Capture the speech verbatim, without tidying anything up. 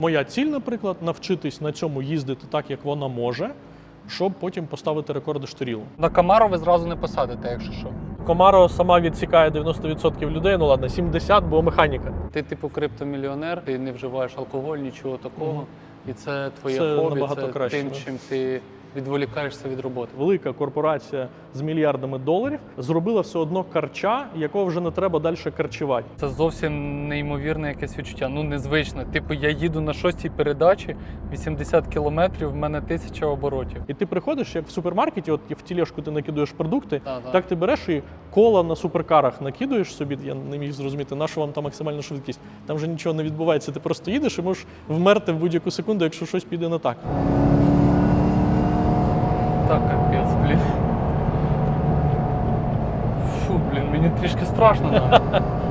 Моя ціль, наприклад, навчитись на цьому їздити так, як вона може, щоб потім поставити рекорди штирілу. На Камаро ви зразу не посадите, якщо що. Камаро сама відсікає дев'яносто відсотків людей, ну ладно, сімдесят, бо механіка. Ти типу криптомільйонер, ти не вживаєш алкоголь, нічого такого. Угу. І це твоє Це хобі, набагато це краще, тим, да. чим ти відволікаєшся від роботи. Велика корпорація з мільярдами доларів зробила все одно карча, якого вже не треба далі карчувати. Це зовсім неймовірне якесь відчуття, ну незвичне. Типу я їду на шостій передачі, вісімдесят кілометрів, в мене тисяча оборотів. І ти приходиш, як в супермаркеті, от в тележку ти накидуєш продукти, Так, так. так ти береш і кола на суперкарах накидуєш собі, я не міг зрозуміти, на що вам там максимальна швидкість. Там вже нічого не відбувається, ти просто їдеш і можеш вмерти в будь-яку секунду, якщо щось піде не так. Так, капець, блін. Фу, блін, мені трішки страшно навіть.